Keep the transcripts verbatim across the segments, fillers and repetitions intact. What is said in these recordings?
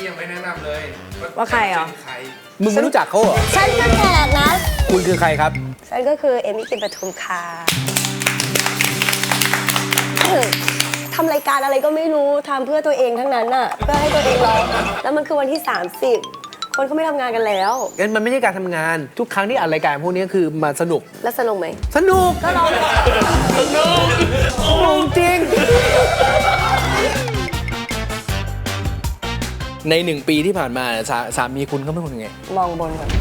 พี่ยังไม่แนะนำเลยว่าใครเหรอมึงไม่รู้จักเขาเหรอฉันก็แขกนะคุณคือใครครับฉันก็คือเอมี่กลิ่นปทุมค่ะทำรายการอะไรก็ไม่รู้ทำเพื่อตัวเองทั้งนั้นน่ะเพื่อให้ตัวเองร้องแล้วมันคือวันที่สามสิบคนเขาไม่ทำงานกันแล้วงั้นมันไม่ใช่การทำงานทุกครั้งที่อัดรายการพวกนี้คือมาสนุกแล้วสนุกไหมสนุกก็ร้องสนุกสนุกจริงในหนึ่งปีที่ผ่านมาสาสามีคุณเขาเป็นคนยังไงมองบนก่อน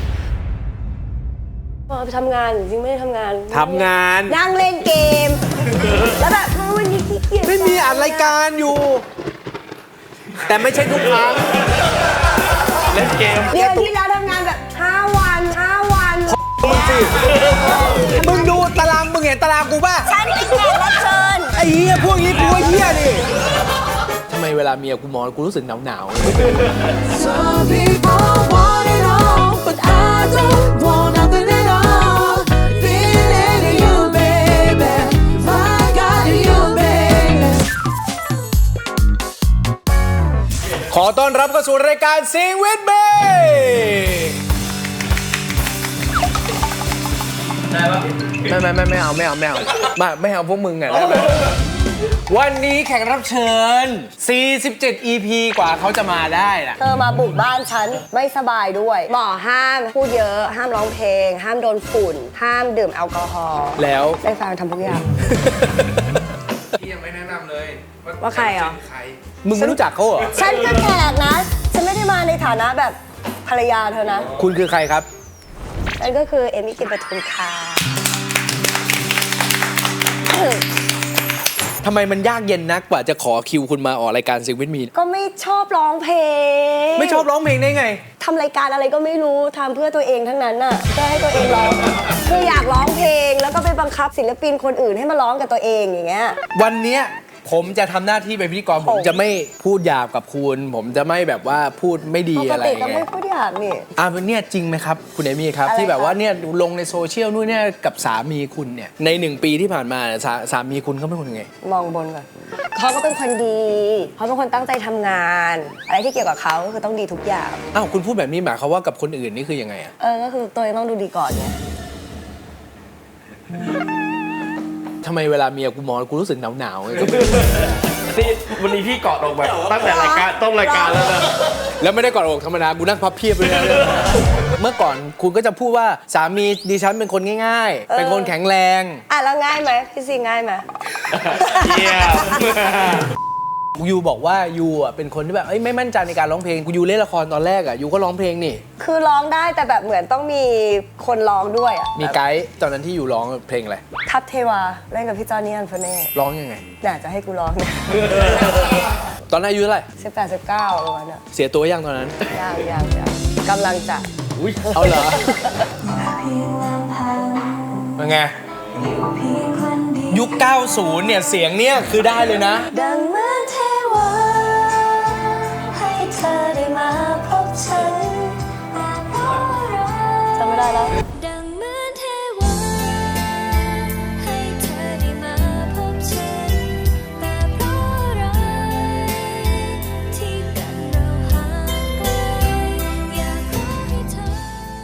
ไปทำงานจริงไม่ได้ทำงานทำงานนั่งเล่นเกมแล้วแบบวันนี้ขี้เกียจไม่มีอัดรายการอยู่แต่ไม่ใช่ทุกครั้งเล่นเกมเดือนที่แล้วทำงานแบบห้าวันห้าวันมึงสิมึงดูตารางมึงเห็นตารางกูป่ะฉันเป็นแขกรับเชิญไอ้เหี้ยพวกนี้กูเหี้ยนี่ทำไมเวลาเมียกูมองกูรู้สึกหนาวหนาวขอต้อนรับเข้าสู่รายการ Sing with Me ได้ปะไม่ไม่ไม่ไม่เอาไม่เอาไม่เอาไม่ไม่เอาพวกมึงไงได้ไหมวันนี้แขกรับเชิญสี่สิบเจ็ด อี พี กว่าเขาจะมาได้ล่ะเธอมาบุกบ้านฉันไม่สบายด้วยหมอห้ามพูดเยอะห้ามร้องเพลงห้ามโดนฝุ่นห้ามดื่มแอลกอฮอล์แล้วได้ฟังทำทุกอย่างพี่ยังไม่แนะนำเลยว่าใครเหรอมึงไม่รู้จักเขาเหรอฉันก็แขกนะฉันไม่ได้มาในฐานะแบบภรรยาเธอนะคุณคือใครครับฉันก็คือเอมี่กลิ่นปทุมค่ะทำไมมันยากเย็นนักกว่าจะขอคิวคุณมาออกรายการ Sing with Me ก็ไม่ชอบร้องเพลงไม่ชอบร้องเพลงได้ไงทำรายการอะไรก็ไม่รู้ทำเพื่อตัวเองทั้งนั้นน่ะเพื่อให้ตัวเองร้องคืออยากร้องเพลงแล้วก็ไปบังคับศิลปินคนอื่นให้มาร้องกับตัวเองอย่างเงี้ยวันเนี้ยผมจะทำหน้าที่เป็นพิธีกรผมจะไม่พูดหยาบกับคุณผมจะไม่แบบว่าพูดไม่ดีอะไรอย่างเงี้ยปกติก็ไม่พูดหยาบนี่อ่ะเนี่ยจริงไหมครับคุณเอมี่ครับที่แบบว่าเนี่ยลงในโซเชียลนู่นเนี่ยกับสามีคุณเนี่ยในหนึ่งปีที่ผ่านมาสาสามีคุณเขาเป็นคนยังไงมองบนก่อนเขาก็เป็นคนดีเขาเป็นคนตั้งใจทำงานอะไรที่เกี่ยวกับเขาก็คือต้องดีทุกอย่างอ้าวคุณพูดแบบนี้หมายความว่ากับคนอื่นนี่คือยังไงอ่ะเออก็คือตัวเองต้องดูดีก่อนไงทำไมเวลาเมียกูมองกูรู้สึกหนาวหนาวเลยนี่วันนี้พี่เกาะลงไปตั้งแต่รายการต้นรายการแล้วนะแล้วไม่ได้กอดอกธรรมดากูนั่งพับเพียบเลยนะเมื่อก่อนคุณก็จะพูดว่าสามีดิฉันเป็นคนง่ายๆเป็นคนแข็งแรงอ่ะแล้วง่ายไหมพี่ซีง่ายไหมเยี่ยมยูบอกว่ายูอ่ะเป็นคนที่แบบไม่มั่นใจในการร้องเพลงกูยูเล่นละครตอนแรกอ่ะยูก็ร้องเพลงนี่คือร้องได้แต่แบบเหมือนต้องมีคนร้องด้วยอ่ะมีไกด์ตอนนั้นที่ยูร้องเพลงอะไรทัพเทวาเล่นกับพี่จอห์นนี่อันโฟเน่ร้องยังไงน่าจะให้กูร้องเนี่ยตอนนั้นอายุเท่าไหร่สิบแปดสิบเก้าประมาณนั้นเสียตัวยังตอนนั้นยังยังยังกำลังจะอุ้ยเอาเหรอเป็นไงยุคเก้าสิบเนี่ยเสียงเนี่ยคือได้เลยนะดังเหมือนเทวาให้เธอได้มาพบฉันจำไม่ได้แล้วดังเหมือนเทวาให้เธอได้มาพบฉันแต่เพราะอะไรที่กันเราห่างไกลอยากขอให้เธอ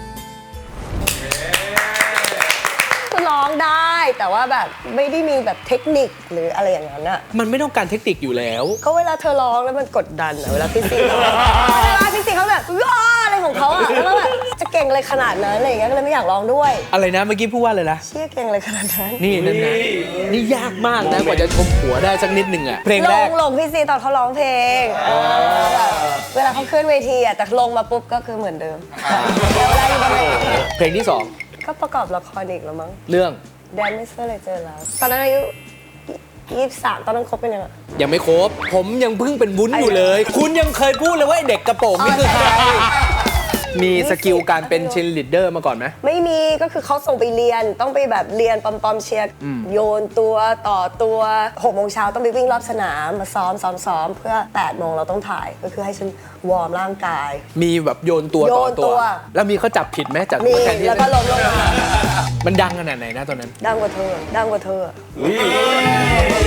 คือร้องได้แต่ว่าแบบไม่ได้มีแบบเทคนิคหรืออะไรอย่างนั้นอะมันไม่ต้องการเทคนิคอยู่แล้วก็เวลาเธอร้องแล้วมันกดดันอะเวลาพี่ซีร้องเวลาพี่ซีเขาแบบว้าอะไรของเขาอะแล้วแบบจะเก่งอะไรขนาดนั้นอะไรอย่างเงี้ยก็เลยไม่อยากร้องด้วยอะไรนะเมื่อกี้พูดว่าอะไรนะเชี่ยเก่งอะไรขนาดนั้นนี่นั่นนะนี่ยากมากนะกว่าจะชมหัวได้สักนิดหนึ่งอะเพลงแรกลงลงพี่ซีตอนเขาร้องเพลงเวลาเขาขึ้นเวทีอะแต่ลงมาปุ๊บก็คือเหมือนเดิมแล้วเวลาอยู่บนเวทีเพลงที่สองก็ประกอบละครอีกแล้วมั้งเรื่องแดนไม่เชื่อเลยเจอแล้วตอนนั้นอายุยี่สิบสามตอนนั้นคบเป็นยังไงยังไม่ครบผมยังเพิ่งเป็นวุ้นอยู่เลยคุณยังเคยพูดเลยว่าเด็กกระโปรงนี่คือใครมีสกิลการเป็นเชียร์ลีดเดอร์มาก่อนไหมไม่มีก็คือเขาส่งไปเรียนต้องไปแบบเรียนปอมปอมเชียร์โยนตัวต่อตัวหกโมงเช้าต้องไปวิ่งรอบสนามมาซ้อมซ้อมซ้อมเพื่อแปดโมงเราต้องถ่ายก็คือให้ฉันวอร์มร่างกายมีแบบโยนตัวต่อตัวแล้วมีเขาจับผิดไหมจากมีแล้วก็ล้มลงมามันดังขนาดไหนนะตอนนั้นดังกว่าเธอดังกว่าเธอ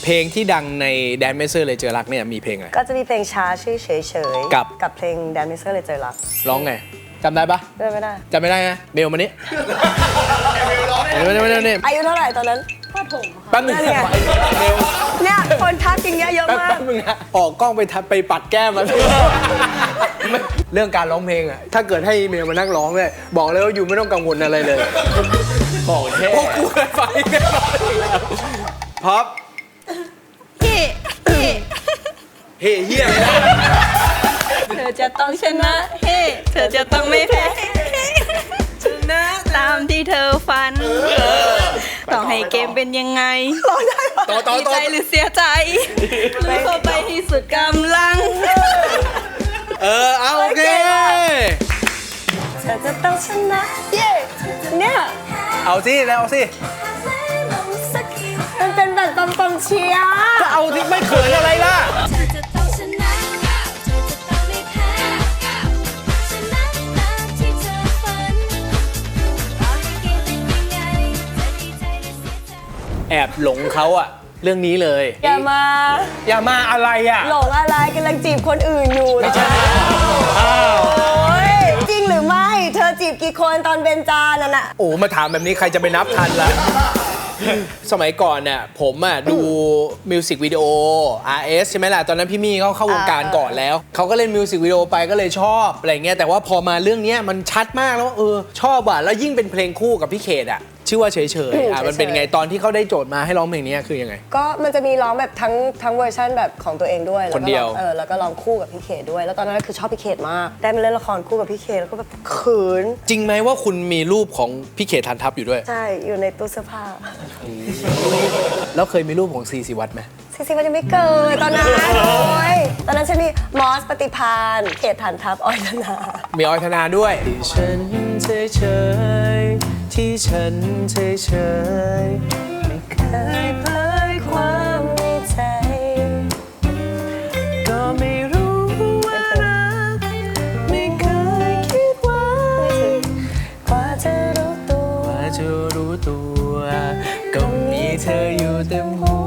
เพลงที่ดังในแดนเมเซอร์เลยเจอรักเนี่ยมีเพลงอะไรก็จะมีเพลงช้าชื่อเฉยๆกับกับเพลง Dancer เลยเจอรักร้องไงจำได้ปะได้ไม่ได้จำไม่ได้นะเบลมานี่เบลมานี่เบลมานี่อายุเท่าไหร่ตอนนั้นแป๊บนึงนั่นไงเบลเนี่ยคนทักอย่างเงี้ยเยอะแป๊บมากแป๊บนึงนะออกกล้องไปทัดไปปัดแก้มมาเรื่องการร้องเพลงอะถ้าเกิดให้เมลมานั่งร้องเลยบอกเลยว่าอยู่ไม่ต้องกังวลอะไรเลยของเท่พวกกูเคยฟังกันมาแล้วพับเฮ้เฮ้เฮเฮียอะไรนะเธอจะต้องชนะเฮ้เธอจะต้องไม่แพ้ชนะตามที่เธอฝันต้องให้เกมเป็นยังไงต่อต่อดีต่อใจหรือเสียใจลุยเข้าไปที่สุดกำลังเออเอาโอเคเธอจะต้องชนะเย้เนี่ยเอาสิแล้วเอาสิมันเป็นแบบปอมปอมเชียร์ก็เอาที่ไม่เขินอะไรล่ะเธอจะต้องชนะ เธอจะต้องไม่แพ้ชนะตามที่เธอฝันต่อให้เกมเป็นยังไงจะดีใจหรือเสียใจแอบหลงเขาอะเรื่องนี้เลยอย่ามาอย่ามาอะไรอะหลงอะไรกำลังจีบคนอื่นอยู่ไม่ใช่อ้าวโอ้ยจริงหรือไม่ เธอจีบกี่คนตอนเบนจานั่นน่ะโอ้มาถามแบบนี้ใครจะไปนับทันล่ะ สมัยก่อนเนี่ยผมอ่ะดูมิวสิกวิดีโอ อาร์ เอส ใช่ไหมล่ะ ตอนนั้นพี่มี่เขาเข้าวงการก่อนแล้ว เขาก็เล่นมิวสิกวิดีโอไปก็เลยชอบอะไรเงี้ยแต่ว่าพอมาเรื่องเนี้ยมันชัดมากแล้วว่าเออชอบอ่ะแล้วยิ่งเป็นเพลงคู่กับพี่เขตอ่ะชื่อว่าเฉยๆอ่ะมันเป็นไงตอนที่เขาได้โจทย์มาให้ร้องเพลงนี้คือยังไงก็มันจะมีร้องแบบทั้งทั้งเวอร์ชันแบบของตัวเองด้วยแล้คนเดียวก็ร้องเออแล้วก็ร้องคู่กับพี่เขตด้วย แล้วตอนนั้นคือชอบพี่เขตมากได้มาเล่นละครคู่กับพี่เขตแล้วก็แบบเขินจริงไหมว่าคุณมีรูปของพี่เขตทันทัพอยู่ด้วยใช่อยู่ในตู้เสื้อผ้าแล้วเคยมีรูปของซีซีวัตรไหมซิซิมันยังไม่เกิดตอนนั้นโอ้ยตอนนั้นฉันมีมอสปฏิพานเขตฐานทัพออยธนามีออยธนาด้วยที่ฉันเฉยเฉยที่ฉันเฉยเฉยเคยเผยความในใจก็ไม่รู้ว่ารักไม่เคยคิดไว้กว่าจะรู้ตัวว่าจะรู้ตัวก็มีเธออยู่เต็มหัว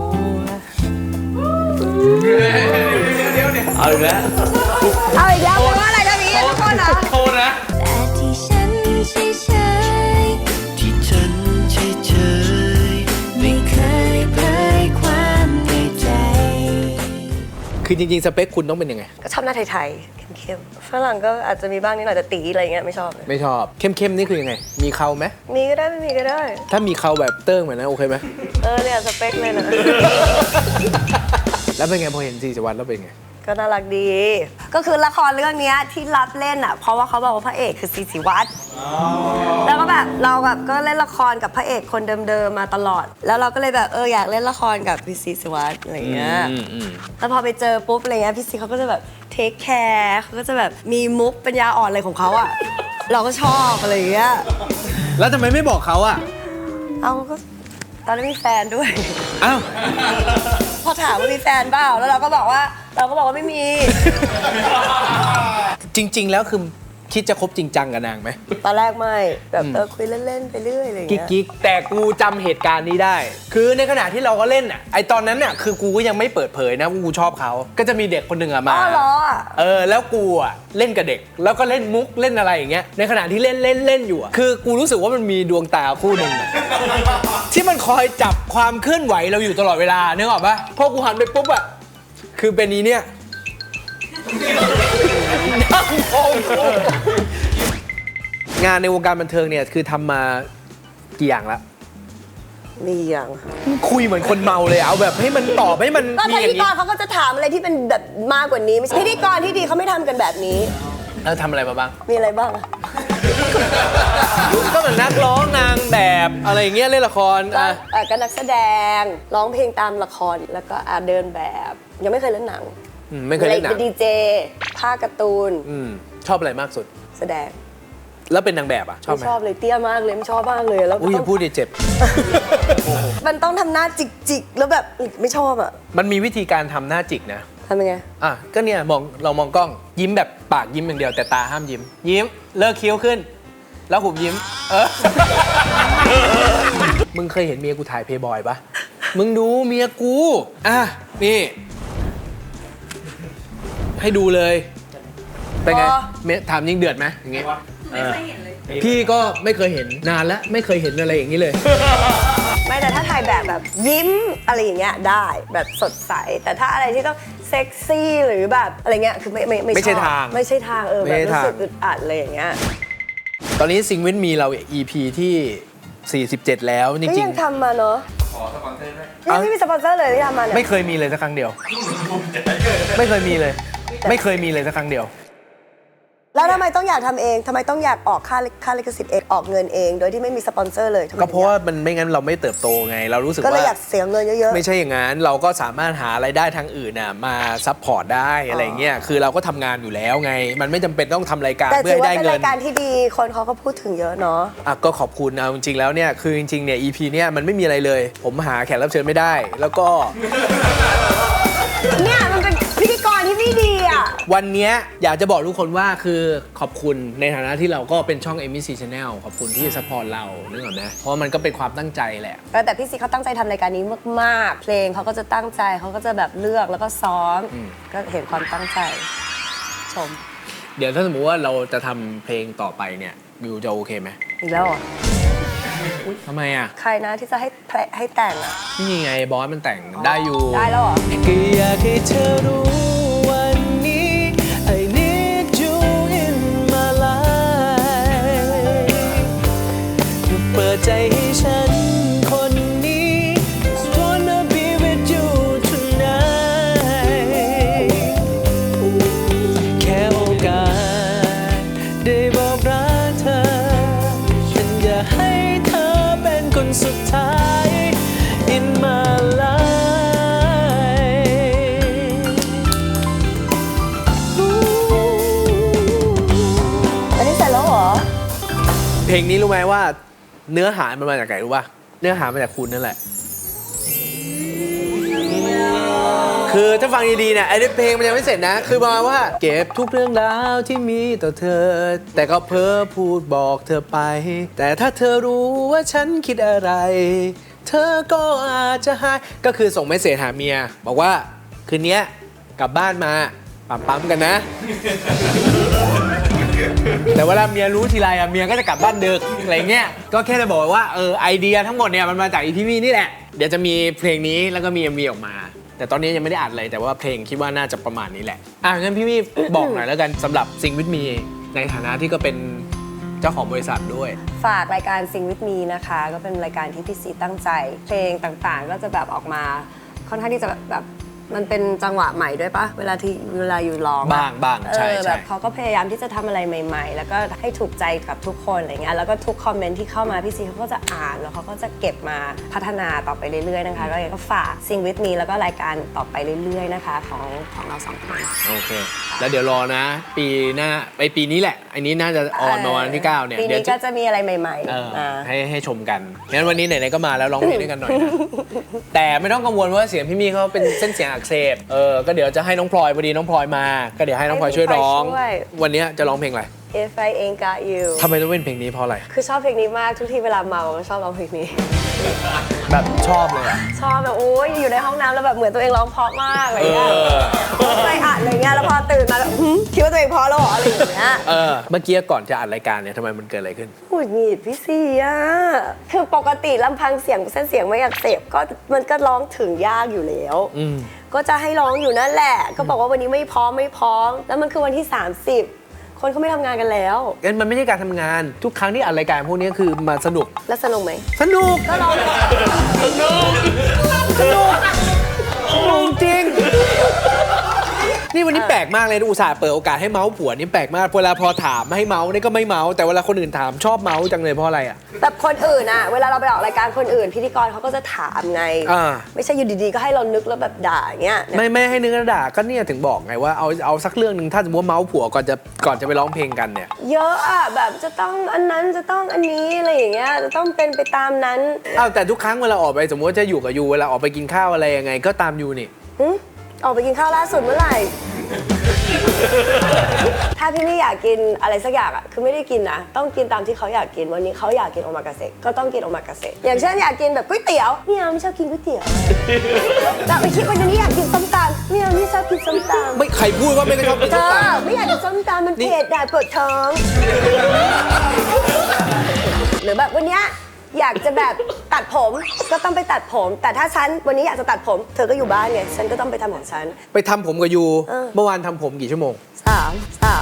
เอาอีกแล้วเอาอีกแล้วแปลว่าอะไรนะพี่ทุกคนนะโทษนะแต่ที่ฉันเฉยๆที่ฉันเฉยไม่เคยเผยความในใจคือจริงๆ สเปคคุณต้องเป็นยังไงก็ชอบหน้าไทยๆเข้มๆฝรั่งก็อาจจะมีบ้างนิดหน่อยแต่ตีอะไรเงี้ยไม่ชอบเลยไม่ชอบ เข้มๆ นี่คือยังไง มีเขาไหมมีก็ได้ไม่มีก็ได้ถ้ามีเขาแบบเติ้งเหมือนนั้นโอเคไหมเออเนี่ยสเปคเลยนะแล้วเป็นไงพอเห็นซีซีวัตรแล้วเป็นไงก็น่ารักดี ก็คือละครเรื่องเนี้ยที่รับเล่นอ่ะ เพราะว่าเขาบอกว่าพระเอกคือซีซีวัตรแล้วก็แบบเราแบบก็เล่นละครกับพระเอกคนเดิมๆมาตลอด แล้วเราก็เลยแบบเอออยากเล่นละครกับพี่ซีซีวัตรอะไรเงี้ยอืมอืมแล้วพอไปเจอปุ๊บอะไรเงี้ยพี่ซีเขาก็จะแบบเทคแคร์เขาก็จะแบบมีมุกปัญญาอ่อนอะไรของเขาอ่ะ เราก็ชอบอะไรเงี้ยแล้วทำไมไม่บอกเขาอ่ะเอาก็ตอนนั้นมีแฟนด้วยอ้าวพอถามว่ามีแฟนเปล่าแล้วเราก็บอกว่าเราก็บอกว่าไม่มีจริง ๆ แล้วคือคิดจะคบจริงจังกับนางไหมตอนแรกไม่แบบเออคุยเล่นๆไปเรื่อยอะไรอย่างกิ๊กเงี้ยกิ๊กแต่กูจำเหตุการณ์นี้ได้ คือในขณะที่เราก็เล่นอ่ะไอตอนนั้นน่ะคือกูก็ยังไม่เปิดเผยนะว่ากูชอบเขาก็จะมีเด็กคนหนึ่งอะมาอ๋อเหรออ่ะเออแล้วกูอ่ะเล่นกับเด็ก แล้วก็เล่นมุกเล่นอะไรอย่างเงี้ยในขณะที่เล่นเล่นเล่นอยู่อะคือกูรู้สึกว่ามันมีดวงตาคู่หนึ่งอะ ที่มันคอยจับความเคลื่อนไหวเราอยู่ตลอดเวลานึกออกปะพอกูหันไปปุ๊บอ่ะคือเป็นนี้เนี่ยนั่งมองกูงานในวงการบันเทิงเนี่ยคือทำมากี่อย่างละมีอย่างคุยเหมือนคนเมาเลยเอาแบบให้มันตอบให้มันก็มีพิอย่าธีงกนี้รเขาก็จะถามอะไรที่เป็นแบบมากกว่านี้ไม่ใช่พิธีกรที่ดีเขาไม่ทำกันแบบนี้แล้วทำอะไรมาบ้างมีอะไรบ้างอะก็เหมือนนักร้องนางแบบอะไรอย่างเงี้ยเล่นละครก็อ่ะเอ่อก็นักแสดงร้องเพลงตามละครแล้วก็อาเดินแบบ ยังไม่เคยเล่นหนังอืมไม่เคยเล่นหนัป็งดีเจภาคการ์ตูนอืมชอบอะไรมากสุดแสดงแล้วเป็นนางแบบอ่ะชอบไม่ไหมชอบเลยเตี้ยมากเลยไม่ชอบมากเลยแล้วอุ้ยอต้ย่าพูดดิเจ็บมันต้องทำหน้าจิกๆแล้วแบบไม่ชอบอ่ะมันมีวิธีการทำหน้าจิกนะทำยังไงอ่ะก็เนี่ยมองเรามองกล้องยิ้มแบบปากยิ้มอย่างเดียวแต่ตาห้ามยิ้ม ยิ้มเลิกคิ้วขึ้น แล้วหุบยิ้ม เออ มึงเคยเห็นเมียกูถ่ายเพย์บอยปะมึงดูเมียกูอ่ะนี่ให้ดูเลยเป็นไงอ๋อเมียถามยิงเดือดไหมอย่างงี้ไม่เคยเห็นเลยพี่ก็ไม่เคยเห็นนานแล้วไม่เคยเห็นอะไรอย่างนี้เลยไม่แต่ถ้าถ่ายแบบแบบยิ้มอะไรอย่างเงี้ยได้แบบสดใส แต่ถ้าอะไรที่ต้องเซ็กซี่หรือแบบอะไรเงี้ยคือไม่ไม่ไม่ใช่อบทางไม่ใช่ทางเออไม่แบบใช่รู้ทางสึกอึดอัดอะไรอย่างเงี้ยตอนนี้ซิงวินมีเรา อี พี ที่ สี่สิบเจ็ด แล้วจก็ริงยังทำมาเนาะขอสปอนเซอร์ด้วยยังไม่มีสปอนเซอร์เลยที่ทำมาๆเนี่ยไม่เคยมีเลยสักครั้งเดียว ไม่เคยมีเลย ไม่เคยมีเลยสักครั้งเดียวแล้วทำไมต้องอยากทำเองทำไมต้องอยากออกค่าค่าลิขสิทธิ์เองออกเงินเอง โดยที่ไม่มีสปอนเซอร์เลยทำไมก็เพราะว่ามันไม่งั้นเราไม่เติบโตไง เรารู้สึกก็เลยว่าอยากเสียเงินเยอะๆไม่ใช่อย่างนั้นเราก็สามารถหารายได้ทางอื่นน่ะมาซัพพอร์ตได้อะไรเงี้ยคือเราก็ทำงานอยู่แล้วไง มันไม่จำเป็นต้องทำรายการแต่เพื่อถือให้ว่าได้เป็นเงิราน ยการที่ดีคนเขาก็พูดถึงเยอะเนาะอ่ะก็ขอบคุณเอาจริงๆแล้วเนี่ยคือจริงๆเนี่ย อี พี เนี่ยมันไม่มีอะไรเลย ผมหาแขกรับเชิญไม่ได้ แล้วก็เนี่ยมันเป็นพิธีกรที่ไม่ดีอ่ะวันเนี้ยอยากจะบอกทุกคนว่าคือขอบคุณในฐานะที่เราก็เป็นช่อง เอ็ม บี ซี Channel ขอบคุณที่ซัพพอร์ตเรานึกออกไหมเพราะมันก็เป็นความตั้งใจแหละแต่พี่ซีเขาตั้งใจทำรายการนี้มากๆ เพลงเขาก็จะตั้งใจเขาก็จะแบบเลือกแล้วก็ซ้อม ก็เห็นความตั้งใจชมเดี๋ยวถ้าสมมติว่าเราจะทำเพลงต่อไปเนี่ยวิวจะโอเคไหมอีกแล้วเหรอทำไมอ่ะใครนะที่จะให้เพลให้แต่งอ่ะนี่ไงบอสมันแต่งได้อยู่ได้แล้วเหรอก็อยากให้เธอรู้วันนี้ I need you in my life เปิดใจให้ฉันคนนี้ wanna be with you tonight แค่โอกาสได้บอกรักเธอ ฉันอยากให้เธอเป็นคนสุดท้าย in my life อันนี้เสร็จแล้วเหรอเพลงนี้รู้ไหมว่าเนื้อหามันมาจากไหนรู้ป่ะ เนื้อหามาจากคุณนั่นแหละ คือถ้าฟังดีๆเนี่ยไอ้เพลงมันยังไม่เสร็จนะ คือประมาณว่าเก็บทุกเรื่องราวที่มีต่อเธอ แต่ก็เพ้อพูดบอกเธอไป แต่ถ้าเธอรู้ว่าฉันคิดอะไร เธอก็อาจจะหายก็คือส่งเมสเสจหาเมีย บอกว่าคืนนี้กลับบ้านมาปั๊มปั๊มๆกันนะ แต่เวลาเมียรู้ทีไรอะเมียก็จะกลับบ้านดึกอะไรเงี้ย ก็แค่จะบอกว่าเออไอเดียทั้งหมดเนี่ยมันมาจากอีพีวีนี่แหละ เดี๋ยวจะมีเพลงนี้แล้วก็มี เอ็ม วี ออกมา แต่ตอนนี้ยังไม่ได้อัดเลยแต่ว่าเพลงคิดว่าน่าจะประมาณนี้แหละ อ่ะงั้นพี่วีบอกหน่อยแล้วกันสำหรับซิงวิทมีในฐานะที่ก็เป็นเจ้าของบริษัทด้วยฝากรายการ Sing with me นะคะ ก็เป็นรายการที่พี่ซีตั้งใจ เพลงต่างๆ ก็จะแบบออกมาค่อนข้างที่จะแบบมันเป็นจังหวะใหม่ด้วยปะเวลาที่เวลาอยู่ร้องอะบ้างบ้างใช่เออใช่แบบเขาก็พยายามที่จะทำอะไรใหม่ ๆ แล้วก็ให้ถูกใจกับทุกคนอะไรเงี้ยแล้วก็ทุกคอมเมนต์ที่เข้ามาพี่ซีเขาก็จะอ่านแล้วเขาก็จะเก็บมาพัฒนาต่อไปเรื่อยๆนะคะก็ยังก็ฝาก Sing with me แล้วก็รายการต่อไปเรื่อยๆนะคะของของเราสองคนโอเค แล้วเดี๋ยวรอนะ ปีหน้าไปปีนี้แหละ อันนี้น่าจะออนมาวันที่เก้าเนี่ยปีเดี๋ยวนี้จะก็จะมีอะไรใหม่เออๆอ่าให้ให้ชมกันงั้นวันนี้ไหนๆก็มาแล้วร้องเพลงด้วยกันหน่อยนะ แต่ไม่ต้องกังวลว่าเสียงพี่มี่เขาเป็นเส้นเสียงอักเสบเออก็เดี๋ยวจะให้น้องพลอยพอดีน้องพลอยมา ก็เดี๋ยวให้น้องพลอยช่วยร้องให้น้องพลอยช่วยวันนี้จะร้องเพลงอะไร If I Ain't Got You ทำไมต้องเป็นเพลงนี้เพราะอะไรคือชอบเพลงนี้มากทุกทีเวลาเมาก็ชอบร้องเพลงนี้แบบชอบเลยอ่ะชอบแบบโอ้ยอยู่ในห้องน้ำแล้วแบบเหมือนตัวเองร้องเพราะมากอะไรเงี้ยเออใจอัดอะไรเงี้ยแล้วพอตื่นมาแล้วหึคิดว่าตัวเองเพราะแล้วเหรออะไรอย่างเงี้ยเออเมื่อกี้ก่อนจะอัดรายการเนี่ยทำไมมันเกิดอะไรขึ้นหงุดหงิดพี่ซีอ่ะคือปกติลำพังเสียงเส้นเสียงไม่อักเสบก็มันก็ร้องถึงยากอยู่แล้วอืมก็จะให้ร้องอยู่นั่นแหละ ก็บอกว่าวันนี้ไม่พร้อมไม่พร้อมแล้วมันคือวันที่สามสิบคนเขาไม่ทำงานกันแล้วงั้นมันไม่ใช่การทำงาน ทุกครั้งที่อัดรายการพวกนี้คือมาสนุกแล้วสนุกไหมสนุกก็ร้องสนุกสนุกสนุกจริง นี่วันนี้แปลกมากเลยอุตส่าห์เปิดโอกาสให้เมาส์ผัวนี่แปลกมากเวลาพอถามไม่ให้เมาส์นี่ก็ไม่เมาส์แต่เวลาคนอื่นถามชอบเมาส์จังเลยเพราะอะไรอ่ะแบบคนอื่นอะเวลาเราไปออกรายการคนอื่น พิธีกรเขาก็จะถามไงอ่าไม่ใช่อยู่ดีๆก็ให้เรานึกแล้วแบบด่าอย่างเงี้ยไม่ไม่ให้นึกกระดาษก็เนี่ยถึงบอกไงว่าเอาเอาสักเรื่องหนึ่งถ้าสมมติว่าเมาส์ผัวก่อนจะก่อนจะไปร้องเพลงกันเนี่ยเยอะอะแบบจะต้องอันนั้นจะต้องอันนี้อะไรอย่างเงี้ยจะต้องเป็นไปตามนั้นอ้าวแต่ทุกครั้งเวลาออกไปสมมติว่าจะอยู่กับยูเวลาออกไปกินข้าวอะไรยังไงก็ตามยูนี่หึออกไปกินข้าวล่าสุดเมื่อไหร่ ถ้าพี่ไม่อยากกินอะไรสักอย่างอ่ะคือไม่ได้กินนะต้องกินตามที่เขาอยากกินวันนี้เขาอยากกินโอมากาเสะก็ต้องกินโอมากาเสะอย่างเช่นอยากกินแบบก๋วยเตี๋ยวไม่เอาไม่ชอบกินก๋วยเตี๋ยวแต่ไปคิดวันนี้อยากกินส้มตำไม่เอาไม่ชอบกินส้มตำไม่ใครพูดว่าไม่ชอบกินเธส้มอตำไม่อยากกินส้มตำมันเผ็ดแต่ปวดท้อง หรือแบบวันเนี้ยอยากจะแบบตัดผมก็ต้องไปตัดผม แต่ถ้าฉันวันนี้อยากจะตัดผม เธอก็อยู่บ้านไงฉันก็ต้องไปทำของฉันไปทำผมกับยูเออเมื่อวานทำผมกี่ชั่วโมงสามสาม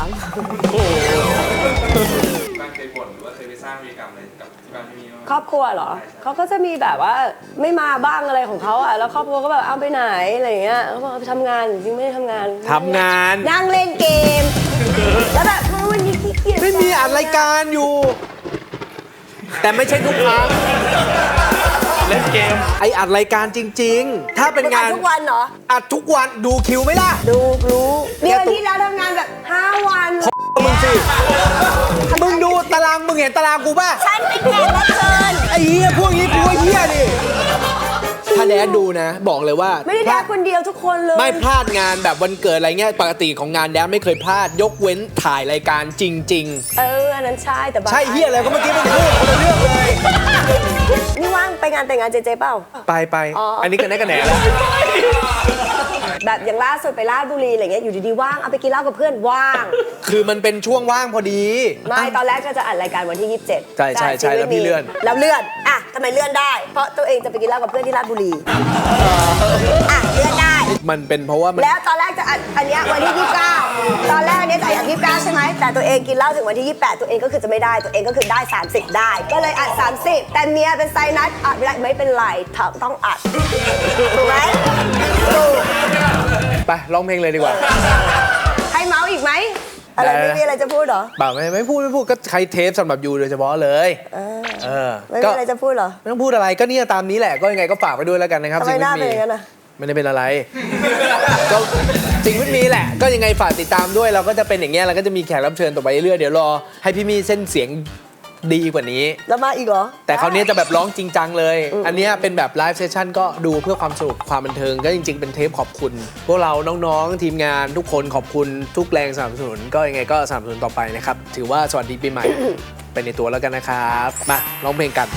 บ้านเคยบ่นหรือว่าเคยไปสร้างวีรกรรมอะไรกับที่บ้านพี่มีบ้างครอบครัวเหรอเขาก็จะมีแบบว่าไม่มาบ้างอะไรของเขาอ่ะแล้วครอบครัวก็แบบเอาไปไหนอะไรอย่างเงี้ยเขาบอกเอาไปทำงานจริงๆไม่ได้ทำงานทำงานนั่งเล่นเกม แล้วแบบวันนี้ขี้เกียจไม่มีอัดรายการอยู่ แต่ไม่ใช่ทุกครั้งเล่นเกมไออัดรายการจริง ๆ ถ้าเป็นมึงงาอ่านนทุกวันเหรออัดทุกวันดูคิวไหมล่ะดูรู้เดือนตุ๊กที่แล้วทำงานแบบห้าวันมึงสิ มึงดูตารางมึงเห็นตารางกูป่ะฉันเป็นแขกรับเชิญไอ้เหี้ยพวกนี้กูว่าเหี้ยดิถ้าแดดดูนะ บอกเลยว่าไม่ได้แดกคนเดียวทุกคนเลยไม่พลาดงานแบบวันเกิดอะไรเงี้ยปกติของงานแดดไม่เคยพลาด ยกเว้นถ่ายรายการจริงเอออันนั้นใช่แต่บางๆ ใช่เหี้ยอะไรก็เมื่อกี้มึงพูดคนละเรื่องเลยนี่ว่างไปงานแต่งงานเจเจเปล่าไปไปอ๋ออัอันนี้กันแน่กันแหน่แล้วแบบอย่างล่าสุดไปราชบุรีอะไรเงี้ยอยู่ดีๆว่างเอาไปกินเหล้ากับเพื่อนว่างคือมันเป็นช่วงว่างพอดีไม่ตอนแรกก็จะอัดรายการวันที่ยี่สิบเจ็ดใช่ใช่ใช่แล้วพี่เลื่อนแล้วเลื่อนอ่ะทำไมเลื่อนได้ เพราะตัวเองจะไปกินเหล้ากับเพื่อนที่ราชบุรีอ่ะเลื่อนได้มันเป็นเพราะว่ามันแล้วตอนแรกจะอัดอันเนี้ยวันที่ยี่สิบเก้าตอนแรกอันเนี้ยจะอัดยี่สิบเก้าใช่ไหมแต่ตัวเองกินเหล้าถึงวันที่ยี่สิบแปดตัวเองก็คือจะไม่ได้ตัวเองก็คือได้สามสิบได้ ก็เลยอัดสามสิบแต่เมียเป็นไซนัสอัดไม่ได้ไม่เป็นไรต้องอัดถูกไหมถูกไปร้องเพลงเลยดีกว่าให้เมาส์อีกไหมอะไรได้ไม่มีอะไรจะพูดเหรอเปล่าไม่ไม่พูดไม่พูดก็ใช้เทปสำหรับยูโดยเฉพาะเลยเออไม่ก็มีอะไรจะพูดเหรอไม่ต้องพูดอะไรก็เนี่ยตามนี้แหละก็ยังไงก็ฝากไปด้วยแล้วกันนะครับทำไมหน้าเป็นอย่างนั้นนะอะไม่ได้เป็นอะไร ก็จริงไม่มีแหละ ก็ยังไงฝากติดตามด้วยเราก็จะเป็นอย่างเงี้ยเราก็จะมีแขกรับเชิญต่อไปเรื่อยๆเดี๋ยวรอให้พี่มี่เส้นเสียงดีกว่านี้แล้วมาอีกเหรอแต่คราวนี้จะแบบร้องจริงจังเลย อันเนี้ยเป็นแบบไลฟ์เซสชั่นก็ดูเพื่อความสนุกความบันเทิงก็จริงๆเป็นเทปขอบคุณ พวกเราน้องๆทีมงานทุกคนขอบคุณทุกแรงสนับสนุนก็ยังไงก็สนับสนุนต่อไปนะครับถือว่าสวัสดีปีใหม่ ไปในตัวแล้วกันนะครับมาร้องเพลงกัน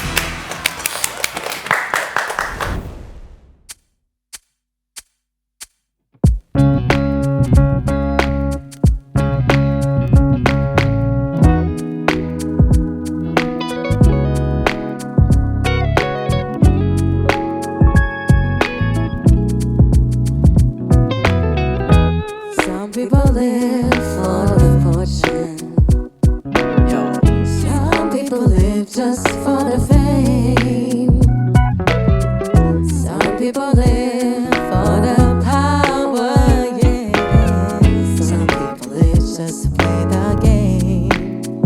Some people live for the fortune. Some people live just for the fame. Some people live for the power, yeah. Some people live just to play the game.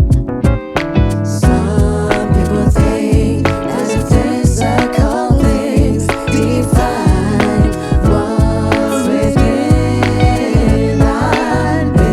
Some people think that the physical things define what's within. I've been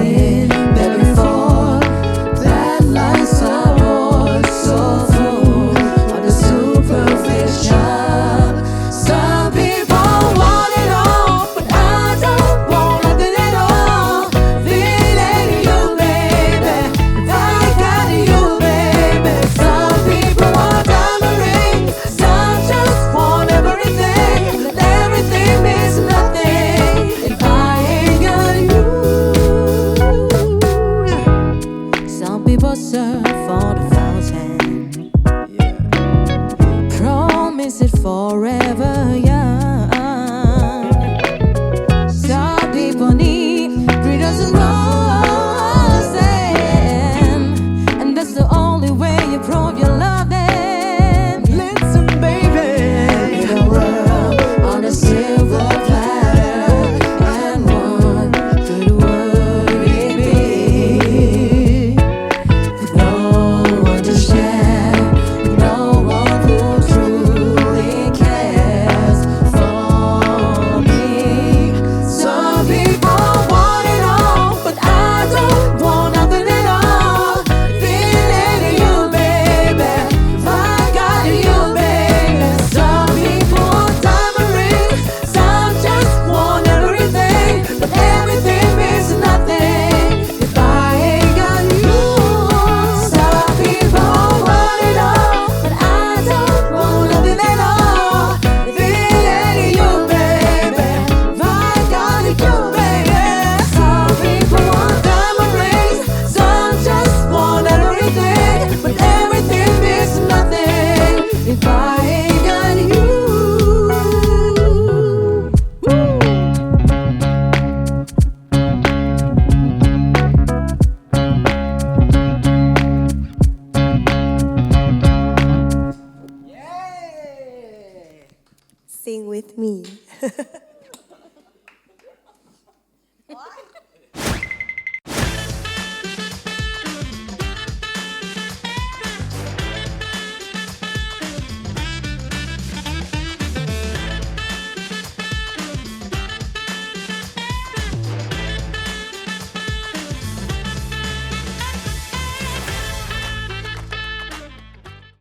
Sing with me